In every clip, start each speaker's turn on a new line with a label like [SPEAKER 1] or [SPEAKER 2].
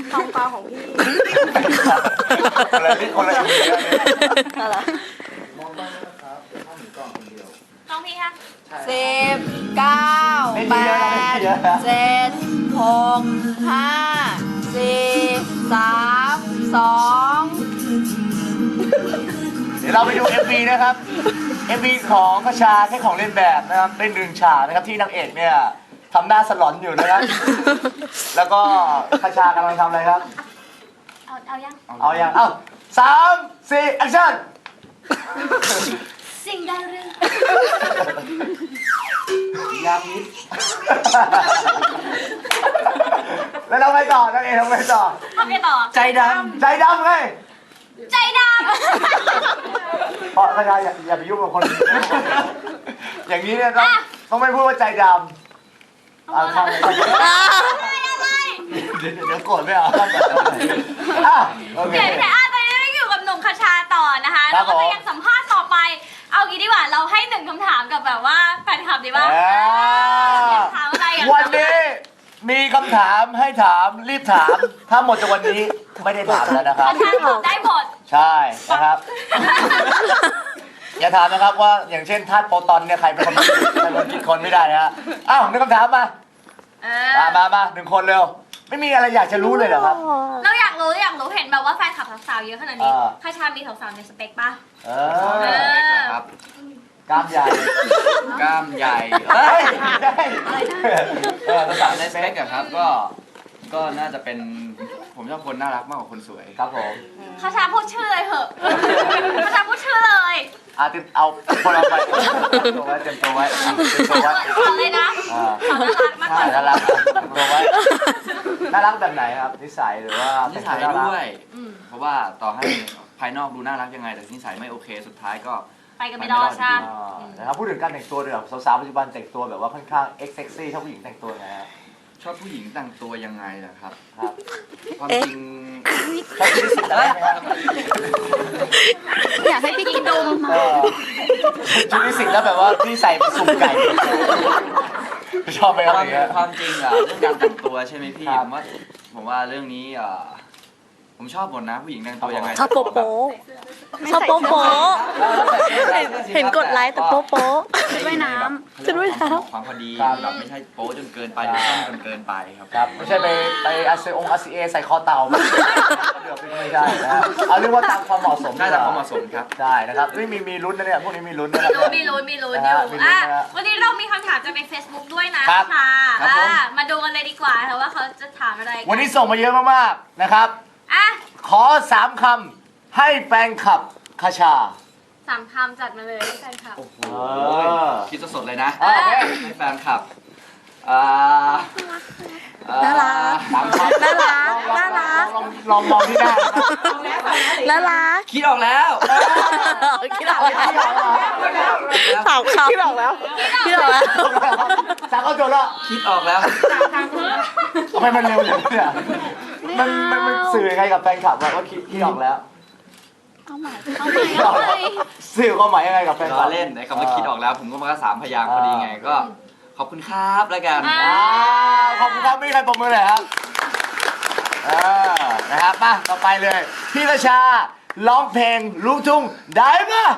[SPEAKER 1] ทองฟ้าของพี่
[SPEAKER 2] คนละเรื่องคนละอย่างเลยเนี่ย
[SPEAKER 1] อะไร
[SPEAKER 3] มองบ้างนะครับข้าวหมูกรอบคนเดียว
[SPEAKER 4] น้องพี่คะ
[SPEAKER 1] 10 9
[SPEAKER 2] ไม่ดีแล้วนะไม่ดีแล้วนะ
[SPEAKER 1] 8 7 6 5 4 3 2
[SPEAKER 2] เดี๋ยวเราไปดู MV นะครับ MV ของกระชาแค่ของเล่นแบบนะครับเป็นดึงฉากนะครับที่นางเอกเนี่ยทำหน้าสลอนอยู่นะครับ แล้วก็กระชากำลังทำอะไรครับ
[SPEAKER 4] เอายัง
[SPEAKER 2] เอาอย่างเอ้า3 4แอคชั่น
[SPEAKER 4] สิ่งใดเรื่อง
[SPEAKER 2] ยาพิษ แล้วเราไปต่อนางเอกทำไงต่อ
[SPEAKER 4] ทำไงต่อ
[SPEAKER 2] ใจดำไง
[SPEAKER 4] ใจด
[SPEAKER 2] เพราะกระชาอย่าไปยุ่งกับคนอื่นอย่างนี้เนี่ยต้องไม่พูดว่าใจดำเอาทำอะไร
[SPEAKER 4] ำอะไร
[SPEAKER 2] เดี๋ยวโกรธไม่เอาต้องแบบโอเค
[SPEAKER 4] เดี๋ยวพี่แต่ตอนนี้เราอยู่กับหนุ่มคชาต่อนะคะ
[SPEAKER 2] ครั
[SPEAKER 4] เรา
[SPEAKER 2] บ
[SPEAKER 4] ก็
[SPEAKER 2] ผม
[SPEAKER 4] จะยังสัมภาษณ์ต่อไป เอางี้ดีกว่าเราให้1คำถามกับแบบว่าแฟนคลับดีป่ะถามอะไรอ่ะ
[SPEAKER 2] วันนี้มีคำถามให้ถามรีบถาม ถ้าหมดจากวันนี้ไม่ได้ถามแล้วนะครับ
[SPEAKER 4] คชาตอบได้หมด
[SPEAKER 2] ใช่นะครับ อย่าถามนะครับว่าอย่างเช่นธาตุโปรตอนเนี่ยใครเป็นคนคิดคนไม่ได้นะฮะอ้าวนึกคำถามมา
[SPEAKER 4] เอ
[SPEAKER 2] มาหนึ่งคนเร็ว ไม่มีอะไรอยากจะรู้เลยเหรอครับ
[SPEAKER 4] เราอยากรู้เห็นแบบว่าแฟนคลับสาวๆเยอะขนาดนี้
[SPEAKER 2] อ่า
[SPEAKER 4] คชามีสาวๆในสเปคป่ะ
[SPEAKER 2] เอ
[SPEAKER 4] เอ
[SPEAKER 2] อ
[SPEAKER 4] อ
[SPEAKER 3] ครับ
[SPEAKER 2] กล้ามใหญ่
[SPEAKER 3] กล้ามใหญ่
[SPEAKER 2] เฮ้ยได้เออ
[SPEAKER 3] ภาษาในสเปกอะครับก็น่าจะเป็นผมชอบคนน่ารักมากกว่าคนสวย
[SPEAKER 2] ครับผม
[SPEAKER 4] คชาพูดชื่อเลยเหอะคชาพูดชื่อเลย
[SPEAKER 2] เอาคนเราไปเตรียมตัวไว้เตรียมตัวไว้เตรียมตัวไว้
[SPEAKER 4] ขอเลยนะ
[SPEAKER 2] อ่า
[SPEAKER 4] ขอน่ารักมากกว่า
[SPEAKER 2] น่ารักตัวไว้น่ารักแบบไหนครับนิสัยหรือว่า
[SPEAKER 3] นิสัย
[SPEAKER 2] น่ารัก
[SPEAKER 3] ด้วย
[SPEAKER 4] อืม
[SPEAKER 3] เพราะว่าต่อให้ภายนอกดูน่ารักยังไง แต่นิสัยไม่โอเคสุดท้ายก็
[SPEAKER 4] ไปกันไม่รอดใช่ไหม
[SPEAKER 2] นะครับพูดถึงการแต่งตัวเดี๋ยวสาวๆปัจจุบันแต่งตัวแบบว่าค่อนข้างเซ็กซี่ชอบผู้หญิงแต่งตัวไงฮะ
[SPEAKER 3] ชอบผู้หญิงแต่งตัวยังไงล่ะครับ
[SPEAKER 2] ครับ
[SPEAKER 3] ความจริง
[SPEAKER 2] ชอบที่สุดอะไรไหมครับ
[SPEAKER 1] อยากให้พี่กินดม
[SPEAKER 2] ชุดนิสิตแล้วแบบว่าพี่ใส่เป็นสุ่มไก่ชอบไหมครับอย่างเงี้ย
[SPEAKER 3] ความจริงอะเรื่องการแต่งตัวใช่ไหมพี่
[SPEAKER 2] ครับ
[SPEAKER 3] ผมว่าเรื่องนี้ผมชอบหมดนะผู้หญิงแต่งตัวยังไง
[SPEAKER 1] ชอบโป๊ะโป๊ะชอบโป๊ะโป๊ะเห็นกดไลค์แต่โป๊ะโป๊ะชุดว่ายน้ำชุดว่ายน้ำ
[SPEAKER 3] ความพอดี
[SPEAKER 2] ครับ
[SPEAKER 3] แบบไม่ใช่โป๊จนเกินไปหรือสั้นจนเกินไปครับ
[SPEAKER 2] ครับไม่ใช่ไปอาเซองอาซีเอใส่คอเต่าเดี๋ยวไม่ได้นะเอาเรียกว่าตามความเหมาะสม
[SPEAKER 3] ได้แต่ความเหมาะสมครับ
[SPEAKER 2] ใช่นะครับมีลุ้นนะเนี่ยพวกนี้มีลุ้นนะครับ
[SPEAKER 4] มีลุ้นอยู่
[SPEAKER 2] นะฮะมีลุ้น
[SPEAKER 4] อ่ะ
[SPEAKER 2] นะฮะ
[SPEAKER 4] วันนี้เรามีคำถามจากใน Facebook ด้วยนะครับ ค่ะ
[SPEAKER 3] ครับผม
[SPEAKER 4] มาดูกันเลยดีกว่าค่ะว่าเขาจะถามอะไรกั
[SPEAKER 2] วันนี้ส่งมาเยอะมากๆนะครับ
[SPEAKER 4] อ่ะ
[SPEAKER 2] ขอ3 คำให้แฟนคลับคาชา
[SPEAKER 4] 3 คำจัดมาเลยแฟนคลับ
[SPEAKER 3] โอ้โห
[SPEAKER 2] อ
[SPEAKER 3] คิดสดๆเลยนะ
[SPEAKER 2] โอเค
[SPEAKER 3] ให้แฟนคลับอ่า
[SPEAKER 1] น่ารัก
[SPEAKER 2] สามคำ
[SPEAKER 1] น่ารักน่ารัก
[SPEAKER 2] ลองมองที่หน้า
[SPEAKER 1] น่ารัก
[SPEAKER 3] คิดออกแล้ว
[SPEAKER 1] คิดออกแล้วสาวเขาคิดออกแล้วคิดออกแล้ว
[SPEAKER 2] สามเข้าโจทย์แล้ว
[SPEAKER 3] คิดออกแล้ว
[SPEAKER 2] ทำไมมันเร็วอย่างนี้เนี่ยมันสื่อยังไงกับแฟนคลับว่าคิดออกแล้ว
[SPEAKER 1] เอาใหม่
[SPEAKER 2] สื่อความหมายยังไงกับแฟนค
[SPEAKER 3] ล้
[SPEAKER 2] ลั
[SPEAKER 3] อบ เล่นไอ้คำว่าคิดออกแล้ว ผมก็มาก็3 พยางค์พอดีไงก็ ขอบคุณครับแล้วกัน
[SPEAKER 2] ขอบคุณครับไม่มีใครปรบมือเลยครับนะครับมาต่อไปเลย พี่กระชาร้องเพลงลูกทุ่งได้ปะ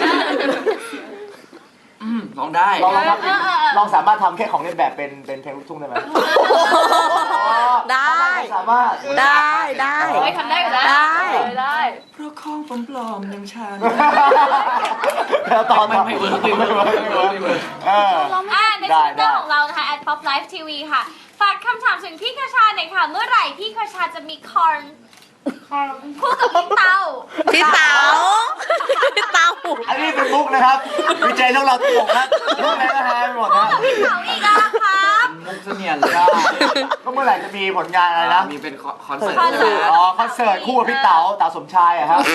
[SPEAKER 3] ร้องได้
[SPEAKER 2] ลองสามารถทำแค่ของเล่นแบบเป็นเพลงลูกทุ่งได้ไหม
[SPEAKER 1] ได้
[SPEAKER 2] สามารถ
[SPEAKER 1] ได้ได้
[SPEAKER 4] เฮ้ยทำได้อยู่แล้ว
[SPEAKER 1] ได้
[SPEAKER 4] ได้
[SPEAKER 3] เพราะของปลอมๆอย่างฉัน
[SPEAKER 2] แล้วต่อ
[SPEAKER 3] ไม่เวิร์กไม่เวิร์กไม่เวิร์ก
[SPEAKER 4] ใน
[SPEAKER 2] ได้
[SPEAKER 4] ทวิตเตอ
[SPEAKER 2] ได้
[SPEAKER 4] ร์ของเรานะคะ @poplife.tv ค่ะ ฝากคำถามถึงพี่คชาหน่อยค่ะ เมื่อไหร่พี่คชาจะมีคอนคู่กับพี่เตา
[SPEAKER 1] พี่เต๋าพี่เต๋า
[SPEAKER 2] อันนี้เป็นมุกนะครับวิจัยต้องเราตลกนะมุกอะไรก็หายไปหมดนะ
[SPEAKER 4] พี่เตาอีกแล้วครับ
[SPEAKER 3] มุกเสนียนเลย
[SPEAKER 2] ก็เมื่อไหร่จะมีผลงานอะไรนะ
[SPEAKER 3] มีเป็นคอนเสิร์ต
[SPEAKER 4] คอน
[SPEAKER 3] ใช่
[SPEAKER 4] เสิ
[SPEAKER 3] ไหม
[SPEAKER 4] ร์ต
[SPEAKER 2] อ๋อคอนเสิร์ตคู่กับพี่เต๋าสมชายอะครับ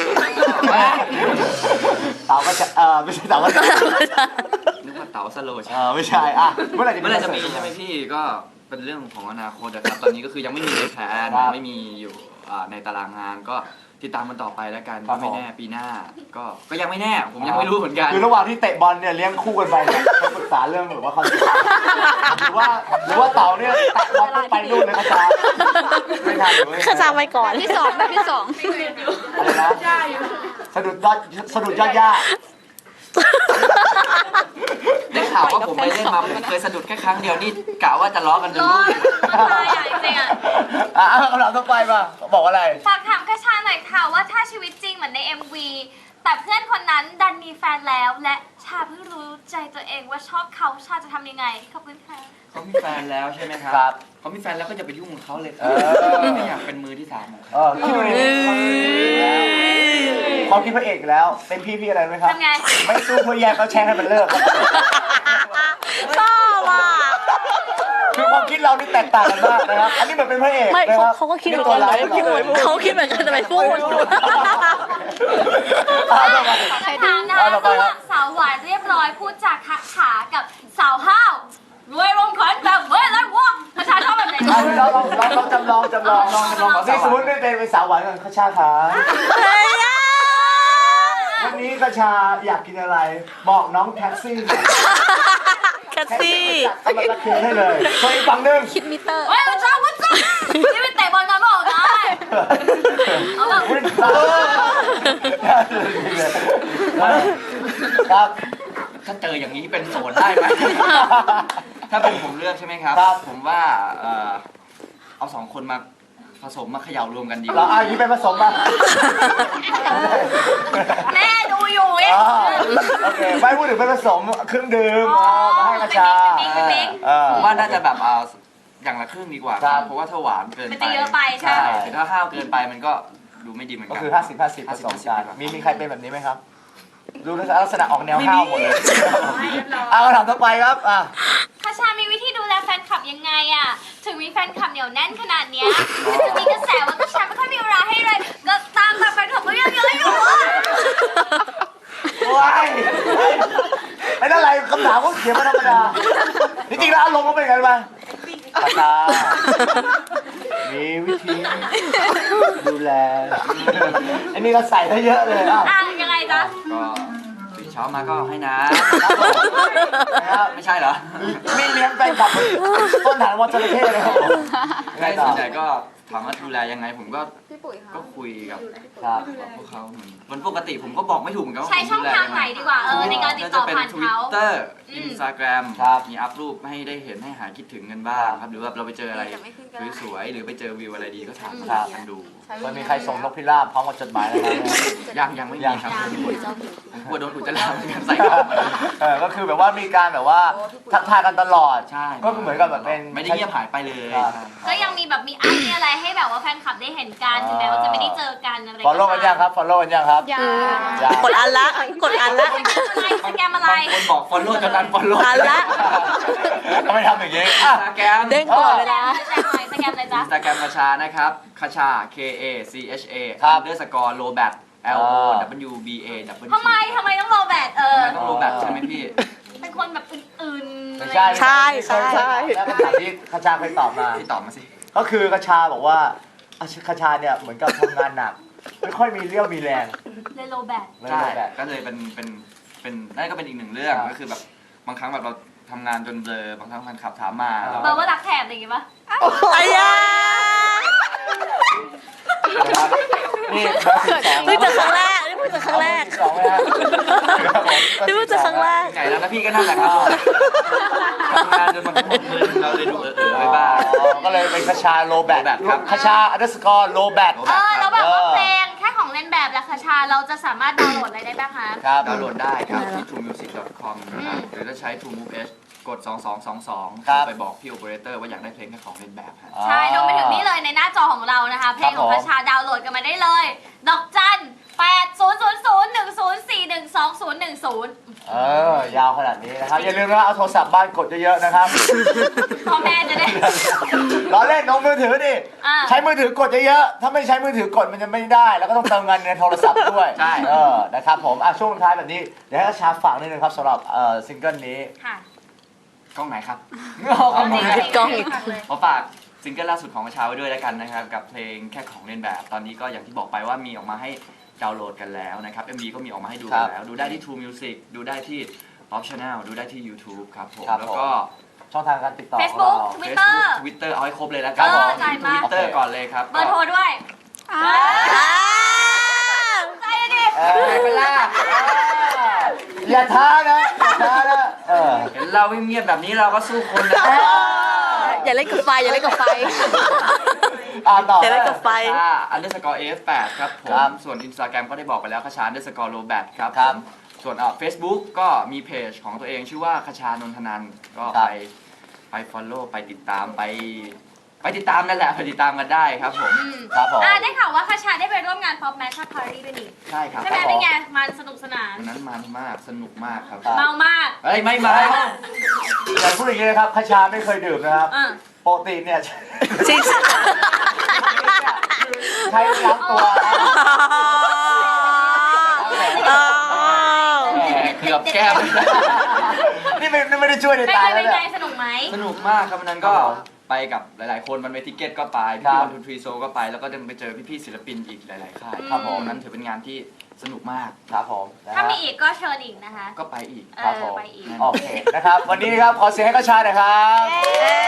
[SPEAKER 2] เต๋าก็จะไม่ใช่เต๋าก็จะ
[SPEAKER 3] นึกว่าเต๋าสโลว์ใช่
[SPEAKER 2] ไม่ใช่อ่ะเมื่อไหร่จะ
[SPEAKER 3] เมื่อไหรจะมีใช่ไหมพี่ก็เป็นเรื่องของอนาคตนะครับ ตอนนี้ก็คือยังไม่มีเลยแผนไม่มีอยู่ในตารางงานก็ติดตามมันต่อไปแล้วกันก็ไม่แน่ปีหน้า ก็ยังไม่แน่ผมยังไม่รู้เหมือนกัน
[SPEAKER 2] คือระหว่างที่เตะบอลเนี่ยเลี้ยงคู่กันไปเนี่ยเขาปรึกษาเรื่องแบบว่าคอนเสิร์ตหรือว่าเต๋าเนี่ยแตะบอลไปนู่นเลยกระจายไปทันหรือ
[SPEAKER 1] ข้าชาไปก่อน
[SPEAKER 4] ที่สองแบบที่สอง
[SPEAKER 2] อะไรนะสะดุดยอดหญ้า
[SPEAKER 3] ได้ข่าวว่าผมไปเล่นมาผมเคยสะดุดแค่ครั้งเดียวนี่กะว่าจะล้อกันจน
[SPEAKER 4] ร้อ
[SPEAKER 3] ลู
[SPEAKER 4] น
[SPEAKER 3] ก
[SPEAKER 4] มันตายอ่ะจริงๆอ่ะ
[SPEAKER 2] คำถามต่อไปป่ะบอกอะไร
[SPEAKER 4] ฝากถามกระชาหน่อยค่ะว่าถ้าชีวิตจริงเหมือนใน MV แต่เพื่อนคนนั้นดันมีแฟนแล้ว และชาเพิ่งรู้ใจตัวเองว่าชอบเขาชาจะทำยังไงขอบคุณค่ะ
[SPEAKER 3] เขามีแฟนแล้วใช่ไหมครับ
[SPEAKER 2] ครับ
[SPEAKER 3] เขามีแฟนแล้วก็จะไปยุ่งกับเขาเลยค
[SPEAKER 2] เอ
[SPEAKER 3] รับ
[SPEAKER 2] อ
[SPEAKER 3] ไม่อยากเป็นมือที่สามของเขา
[SPEAKER 2] คิดดูดิความคิดพระเอกแล้ว เป็นพี่อะไรไหมครับ
[SPEAKER 4] ทำไง
[SPEAKER 2] ไม่สู้เพื่อแยกเขาแช่งให้มันเลิก
[SPEAKER 1] ชอบอ่ะ
[SPEAKER 2] คือความคิดเรานี่แตกต่างกันมากนะครับ อันนี้เหมือนเป็นพระเอก
[SPEAKER 1] ไม่
[SPEAKER 2] นะครับ
[SPEAKER 1] เขาก็คิดเหมือนกันแต่ไม่พูดเขาคิดเหมือนกันแต่ไม่พูด
[SPEAKER 4] คำถามนะระหว่างสาวหวานเรียบร้อยพูดจากคักขากับสาวห้าวรวยลงขอนแบบเว้ยแล้ววะกระชาชอบแบบไหน
[SPEAKER 2] เราจำลองนี่สมมติได้เป็นสาวหวานกันข้าชาขา
[SPEAKER 1] เฮ้ยอ่ะ
[SPEAKER 2] วันนี้ข้าชาอยากกินอะไร บอกน้องแท็กซี่
[SPEAKER 1] แคทซี่
[SPEAKER 2] จัดกำลังคืนให้เลยส่วนอีกฝั่งหนึ่ง
[SPEAKER 1] คิดมิเตอร์
[SPEAKER 4] เฮ้ยกระชาวัดจ้านี่เป็นเตะบอลกันเปล่าได้เอาแบบ
[SPEAKER 2] ครับ
[SPEAKER 3] ถ้าเจออย่างนี้เป็นโสดได้ไหม ถ้าเป็นผมเลือกใช่ไหมครับ
[SPEAKER 2] ครับ
[SPEAKER 3] ผมว่าเอาสองคนมาผสมมาเขย่ารวมกันดีก
[SPEAKER 2] เรา
[SPEAKER 3] ว่า
[SPEAKER 2] เอาอย่างนี้ไปผสมมา
[SPEAKER 4] แม่ดูอยู่เอ๊ะ
[SPEAKER 2] โอเคไม่พูดถึงไปผสมเครื่องดื่มมาให้กระชา
[SPEAKER 4] เป็นมิก
[SPEAKER 3] ผมว่าน่าจะแบบอย่างละครึ่งดีกว่า
[SPEAKER 2] ครับ
[SPEAKER 3] เพราะว่าถ้าหวานเกินไป
[SPEAKER 4] มันจะเยอะไปใช่
[SPEAKER 3] แต่ถ้าห้าวเกินไปมันก็ดูไม่ดีเหมือน
[SPEAKER 2] ก็
[SPEAKER 3] กัน
[SPEAKER 2] คือ 50-50ผสมกันมีใครเป็นแบบนี้ไหมครับ ดูลักษณะออกแนวห้าวหมดเลยเอาคำถามต่อไปครับ
[SPEAKER 4] คาชามีวิธีดูแลแฟนคลับยังไงอ่ะ ถึงมีแฟนคลับเหนียวแน่นขนาดเนี้ยจะมีกระแสว่าคาชาไม่ค่อยมีเวลาให้เลยก็ตามแบบแฟนคลับก็ยังเยอะอยู่อ่ะ
[SPEAKER 2] ว้ายไอ้นั่นอะไรคำถามก็เขียนมาธรรมดาจริงๆแล้วอารมณ์ก็เป็นไงรู้ไหมกระชามีวิธีดูแลอันนี้ก็ใส่ได้เยอะเลย
[SPEAKER 4] อ่ะยังไงจ๊ะ
[SPEAKER 3] ก็ตื่นเช้ามาก็ให้น้
[SPEAKER 2] นะครับ
[SPEAKER 3] ำไม่ใช่เหรอ
[SPEAKER 2] มีเลี้ยงแฟนคลับต้นฐานวันจระเข้เลยครับผมยังไง
[SPEAKER 3] ไม่
[SPEAKER 2] ต่อ
[SPEAKER 3] ส่วนใหญ่ก็ถามว่าดูแลยังไงผมก็คุยกับ
[SPEAKER 2] ครับ
[SPEAKER 3] พวกเขามันปกติผมก็บอกไม่ถูกเหมือนกันว่า
[SPEAKER 4] ใช้ช่องทางไหนดีกว่าในการติดต่อผ่าน
[SPEAKER 3] ทวิ
[SPEAKER 4] เขา
[SPEAKER 3] ตเตอร์อินสตาแกรม
[SPEAKER 2] ครับ
[SPEAKER 3] มีอัพรูปให้ได้เห็นให้หายคิดถึงกันบ้างครับหรือว่าเราไปเจออะไรสวยๆหรือไปเจอวิวอะไรดีก็ถามกันดู
[SPEAKER 2] มันมีใครส่งนกพิราบพร้อมกับจดหมายอะไรไหม
[SPEAKER 3] ยังไม่มีครับผมกลัวโดนอุจจาระเหมือนกันใส่กล่องมา
[SPEAKER 2] ก็คือแบบว่ามีการแบบว่าทักทายกันตลอด
[SPEAKER 3] ใช่
[SPEAKER 2] ก็คือเหมือนกับแบบเป็น
[SPEAKER 3] ไม่ได้เงียบหายไปเลย
[SPEAKER 4] ก็ยังมีแบบมีอัพมีอะไรให้แบบว่าแฟนคลับได้เห็นกันถึงแม้ว่าจะไม่ได้เจอกันอะไร
[SPEAKER 2] ฟอลโล่กันยังครับฟอลโล่กันยังครับ
[SPEAKER 1] กดอันละกดอันละ
[SPEAKER 4] สแกมอะไร
[SPEAKER 3] บางคนบอก follow จนนั้น follow
[SPEAKER 1] อันละ
[SPEAKER 2] ทำไมทำอย่างนี้
[SPEAKER 3] อิน
[SPEAKER 2] อ่ะ
[SPEAKER 3] สตาแกรม
[SPEAKER 1] เด้งก่อนเวลา
[SPEAKER 4] สแกมอะไรจ๊ะ
[SPEAKER 3] อินสตาแกรมคาชานะครับคาชา K A C H A
[SPEAKER 2] ครับ
[SPEAKER 3] underscore lobat L O W B A W
[SPEAKER 4] ทำไมต้องรอแบต
[SPEAKER 3] ทำไมต้อง lobat ใช่ไหมพี่
[SPEAKER 4] เป็นคนแบบอื่นๆ
[SPEAKER 2] ไม่ใช่
[SPEAKER 1] ใช่ใช่
[SPEAKER 2] แล้วคำถามที่คาชาเคยตอบมา
[SPEAKER 3] พี่ตอบมาสิ
[SPEAKER 2] ก็คือคาชาบอกว่าคาชาเนี่ยเหมือนกับทำงานหนัก ไม่ค่อยมีเรี่ยวมีแรง
[SPEAKER 4] เลยโลแบต
[SPEAKER 2] เลย
[SPEAKER 3] ใช่
[SPEAKER 2] แบบ
[SPEAKER 3] ก็เลยเป็นนั่นก็เป็นอีกหนึ่งเรื่องก็คือแบบบางครั้งแบบเราทำงานจนเบลอบางครั้งแฟนคลับถามมาเรา
[SPEAKER 4] เบอร์ว่ารักแถบอะไรอย่างงี้ปะ
[SPEAKER 1] ไอ้ยา
[SPEAKER 2] นะครับนี่เบอร์12
[SPEAKER 1] เพิ่งเจอครั้งแรกนี่เพิ่งเจอครั้งแรก
[SPEAKER 2] 12ไหมฮะครับผม
[SPEAKER 1] นี่เพิ่งเจอครั้งแรก
[SPEAKER 3] ไงแล้วนะพี่ก็นั่นแหละครับทำงานจนบางครั้งมึนเราเลยดูไปบ้าง
[SPEAKER 2] ก็เลยเป็นคาชาโลแบท
[SPEAKER 3] ครับ
[SPEAKER 2] คาชาunderscore โลแบท
[SPEAKER 4] แล้วแบบว่าเพลงแค่ของเล่นแบบและคาชาเราจะสามารถดาวน์โหลดอะไรได้บ้างคะ
[SPEAKER 2] ครับ
[SPEAKER 3] ดาวน์โหลดได้ครับที่ truemusic.com นะครับหรือถ้าใช้ TrueMove H กด 2222
[SPEAKER 2] ครับ
[SPEAKER 3] ไปบอกพี่โอเปอเรเตอร์ว่าอยากได้เพลงแค่ของเล่นแบบฮะ
[SPEAKER 4] ใช่ลงไปถึงนี่เลยในหน้าจอของเรานะคะ เพลงของคาชาดาวน์โหลดกันมาได้เลย ดอกจัน 800010401010
[SPEAKER 2] ยาวขนาดนี้นะครับ อย่าลืมนะเอาโทรศัพท์บ้านกดเยอะๆนะครับ
[SPEAKER 4] พ่อแม่จะได้
[SPEAKER 2] ล้อเล่นน้องมือถือดิ
[SPEAKER 4] อ่า
[SPEAKER 2] ใช้มือถือกดเยอะๆถ้าไม่ใช้มือถือกดมันจะไม่ได้ แล้วก็ต้องเติมเงินในโทรศัพท์ด้วย
[SPEAKER 3] ใช่
[SPEAKER 2] นะครับผมช่วงท้ายแบบนี้ เดี๋ยวให้กระชาฝากนิดนึงครับสำหรับซิงเกิลนี้
[SPEAKER 4] ค่ะ
[SPEAKER 3] กล้องไหนครับ
[SPEAKER 1] กล้องอีก
[SPEAKER 3] ขอฝากซิงเกิลล่าสุดของประชาไว้ด้วยแล้วกันนะครับกับเพลงแค่ของเล่นแบบ ตอนนี้ก็อย่างที่บอกไปว่ามีออกมาให้ดาวน์โหลดกันแล้วนะครับ MV ก็มีออกมาให้ดูกันแล้ว ดูได้ที่ True Music ดูได้ที่ Optional ดูได้ที่ YouTube ครับผม
[SPEAKER 2] ครับ
[SPEAKER 3] แล้วก็
[SPEAKER 2] ช่องทางการติดต่อของ
[SPEAKER 4] Facebook
[SPEAKER 2] เรา
[SPEAKER 4] Twitter
[SPEAKER 3] Twitter เอาให้ครบเลยแล้ว
[SPEAKER 2] ครับผม
[SPEAKER 4] จ่ายมา
[SPEAKER 3] Twitter ก่อนเลยครับ
[SPEAKER 4] เบอร์โทรด้วย
[SPEAKER 1] อ่า
[SPEAKER 4] ใจดิ
[SPEAKER 2] ไปเป็นล่าอย่าท้านะอย่าท้านะ
[SPEAKER 3] เห็นเราเงียบๆแบบนี้เราก็สู้คนนะ
[SPEAKER 1] อย่าเล่นกับไฟอย่าเล่นกับไฟ
[SPEAKER 2] ต่อ
[SPEAKER 1] อย่าเล่นกับไฟ
[SPEAKER 3] underscore f8 ครับผ
[SPEAKER 2] ครั
[SPEAKER 3] ม
[SPEAKER 2] บ
[SPEAKER 3] ส่วน Instagram ก็ได้บอกไปแล้วคชา underscore robat ครับ
[SPEAKER 2] ครับ
[SPEAKER 3] ผมส่วนFacebook ก็มีเพจของตัวเองชื่อว่าคชานนทนันท์ก็
[SPEAKER 2] ครับ
[SPEAKER 3] ไป follow ไปติดตามไปติดตามนั่นแหละไปติดตามกันได้ครับผม
[SPEAKER 2] ครับผม
[SPEAKER 4] ได้ข่าวว่าคาชาได้ไปร่วมงาน Pop Match Party ด้วยนี่
[SPEAKER 3] ใช่ครับ
[SPEAKER 4] ใช่ไหมเป็นไงมันสนุกสนาน
[SPEAKER 3] วันนั้นมันมากสนุกมากครับ
[SPEAKER 2] ครับ
[SPEAKER 4] เมามาก
[SPEAKER 3] เฮ้ยไม่มา
[SPEAKER 2] แต่พูดอย่างนี้นะครับคชาไม่เคยดื่มนะครับ
[SPEAKER 4] อ่ะ
[SPEAKER 2] ปกติเนี่ย
[SPEAKER 1] จริง
[SPEAKER 2] ใช้ล้างตัวนะ
[SPEAKER 3] เกือบแก้ม
[SPEAKER 2] นี่ไม่ได้ช่วยใน
[SPEAKER 4] เป็น
[SPEAKER 2] ตา
[SPEAKER 4] ไง
[SPEAKER 2] ยแล้ว
[SPEAKER 4] เป็นไง
[SPEAKER 2] เนี่ย
[SPEAKER 4] สนุกไหม
[SPEAKER 3] สนุกมากครับวันนั้นก็
[SPEAKER 2] ครับผม
[SPEAKER 3] ไปกับหลายๆคนมันเวทิเกตก็ไป
[SPEAKER 2] ครั
[SPEAKER 3] พี่
[SPEAKER 2] บ
[SPEAKER 3] วันทูทรีโซก็ไปแล้วก็จะไปเจอพี่ๆศิลปินอีกหลายๆค่าย
[SPEAKER 2] ครับผม
[SPEAKER 3] วันนั้นถือเป็นงานที่สนุกมาก
[SPEAKER 2] ครับผมนะ
[SPEAKER 4] ถ้า
[SPEAKER 2] ฮะ
[SPEAKER 4] มีอีกก็เชิญอีกนะคะ
[SPEAKER 3] ก็ไปอีก
[SPEAKER 2] ครับผม
[SPEAKER 4] ไปอีก
[SPEAKER 2] โอเคนะครับ วันนี้ครับขอเสียงให้คชาหน่อยครับ
[SPEAKER 1] เย้